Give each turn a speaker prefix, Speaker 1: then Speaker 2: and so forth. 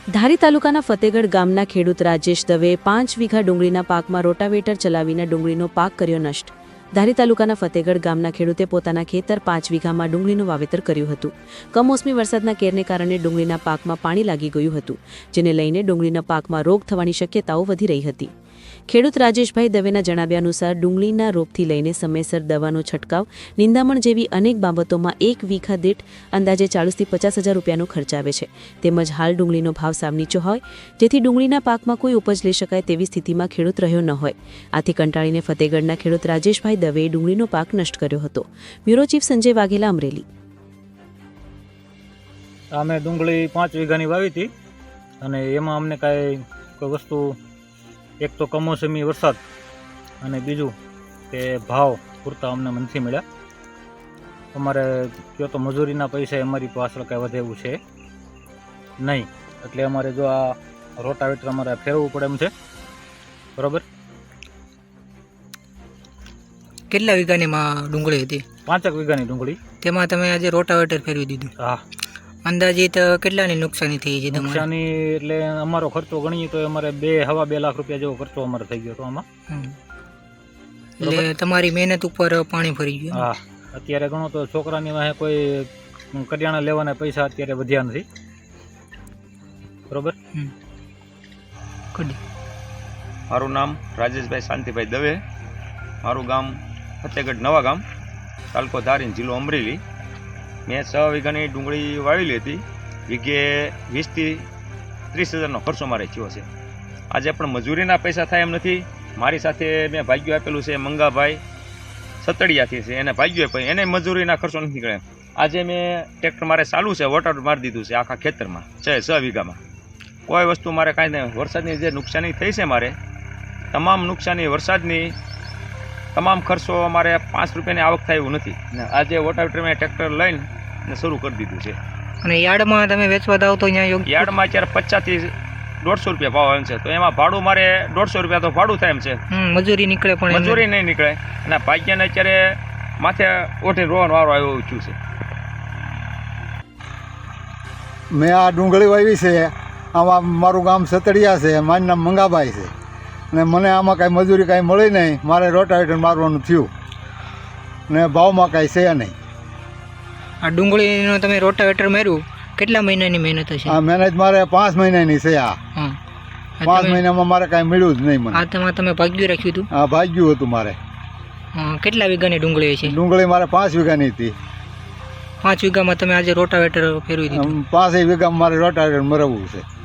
Speaker 1: ધારી તાલુકાના ફતેગઢ ગામના ખેડૂત રાજેશ દવેએ 5 વીઘા ડુંગળીના પાકમાં રોટાવેટર ચલાવીને ડુંગળીનો પાક કર્યો નષ્ટ। ધારી તાલુકાના ફતેગઢ ગામના ખેડૂતે પોતાના ખેતર 5 વીઘામાં ડુંગળીનું વાવેતર કર્યું હતું। કમોસમી વરસાદના કેરને કારણે ડુંગળીના પાકમાં પાણી લાગી ગયું હતું, જેને લઈને ડુંગળીના પાકમાં રોગ થવાની શક્યતાઓ વધી રહી હતી। ખેડૂત રાજેશભાઈ દવેના જણાવ્યા અનુસાર ડુંગળીના રોગથી લઈને સમયસર દવાનો છંટકાવ, નિંદામણ જેવી અનેક બાબતોમાં 1 વીઘા દીઠ અંદાજે 40 થી 50 હજાર રૂપિયાનો ખર્ચ આવે છે। તેમજ હાલ ડુંગળીનો ભાવ સાવ નીચો હોય, જેથી ડુંગળીના પાકમાં કોઈ ઉપજ લઈ શકાય તેવી સ્થિતિમાં ખેડૂત રહ્યો ન હોય। આથી કંટાળીને ફતેગઢના ખેડૂત રાજેશભાઈ દવેએ ડુંગળીનો પાક નષ્ટ કર્યો હતો। Bureau chief Sanjay Vaghela, Amreli.
Speaker 2: અમે ડુંગળી 5 વીઘાની વાવી હતી અને એમાં અમને કાંઈ કોઈ વસ્તુ, એક તો કમોસમી વરસાદ અને બીજું કે ભાવ પૂરતા અમને નથી મળ્યા। અમારે કયો તો મજૂરીના પૈસા અમારી પાછળ કાંઈ વધે એવું છે નહીં, એટલે અમારે જો આ રોટાવેટર અમારે ફેરવવું પડે એમ છે, બરાબર।
Speaker 3: કેટલા વીઘાની ડુંગળી હતી?
Speaker 2: 5 વીઘાની ડુંગળી।
Speaker 3: તેમાં તમે આજે રોટાવેટર ફેરવી દીધું?
Speaker 2: હા।
Speaker 3: અંદાજિત કેટલાની નુકસાની થઈ છે?
Speaker 2: નુકસાની એટલે અમારો ખર્ચો ગણીએ તો અમારે 2-2.5 લાખ રૂપિયા જેવો ખર્ચો અમારે થઈ ગયો હતો આમાં।
Speaker 3: એટલે તમારી મહેનત ઉપર પાણી ફરી ગયું?
Speaker 2: હા, અત્યારે ગણો તો છોકરાની વાહે કોઈ કરિયાણા લેવાના પૈસા અત્યારે વધ્યા નથી, બરોબર।
Speaker 4: મારું નામ રાજેશભાઈ શાંતિભાઈ દવે, મારું ગામ ફતેગઢ નવા ગામ, તાલુકો ધારી, જિલ્લો અમરેલી। મેં 6 વીઘાની ડુંગળી વાવેલી હતી। વીઘે 20 થી 30 હજારનો ખર્ચો મારે થયો છે। આજે પણ મજૂરીના પૈસા થાય એમ નથી। મારી સાથે મેં ભાગ્યું આપેલું છે મંગાભાઈ સતડિયાથી છે, એને ભાગ્યું આપ્યું, એને મજૂરીના ખર્ચો નથી નીકળે। આજે મેં ટ્રેક્ટર મારે ચાલુ છે, વોટર મારી દીધું છે આખા ખેતરમાં 6 વીઘામાં। કોઈ વસ્તુ મારે કાંઈ નહીં। વરસાદની જે નુકસાની થઈ છે મારે, તમામ નુકસાની વરસાદની, તમામ ખર્ચો અમારે 5 રૂપિયાની આવક થાય એવું નથી ને આજે વોટાવેટર મેં ટ્રેક્ટર લઈને શરૂ કરી દીધું છે।
Speaker 3: અને યાર્ડમાં તમે વેચવા દાવ તો અહીંયા યોગ્ય?
Speaker 4: યાર્ડમાં અત્યારે 50 થી 150 રૂપિયા ભાવ આવે છે, તો એમાં ભાડું મારે 150 રૂપિયા તો ભાડું થાય એમ છે।
Speaker 3: મજૂરી નીકળે પણ
Speaker 4: મજૂરી નહીં નીકળે અને ભાગ્યને અત્યારે માથે ઓઠી રોવાનો વારો આવ્યો છું છે।
Speaker 5: મેં આ ડુંગળી વાવી છે, આમાં મારું ગામ સતડિયા છે, મારું નામ મંગાભાઈ છે ને મને આમાં કાંઈ મજૂરી કાંઈ મળી નહીં। મારે રોટાવેટર મારવાનું થયું ને ભાવમાં કાંઈ છે નહીં।
Speaker 3: આ ડુંગળીનો તમે રોટાવેટર માર્યું, કેટલા મહિનાની મહેનત હશે?
Speaker 5: આ મહેનત મારે 5 મહિનાની છે। આ 5 મહિનામાં મારે કાંઈ મળ્યું જ નહીં મને।
Speaker 3: આ તમે ભાગ્યું રાખ્યું હતું?
Speaker 5: આ ભાગ્યું હતું મારે।
Speaker 3: કેટલા વીઘાની ડુંગળી છે?
Speaker 5: ડુંગળી મારે 5 વીઘાની હતી।
Speaker 3: 5 વીઘામાં તમે આજે રોટાવેટર ફેરવી દીધું?
Speaker 5: 5 વીઘામાં મારે રોટાવેટર મરવવું છે।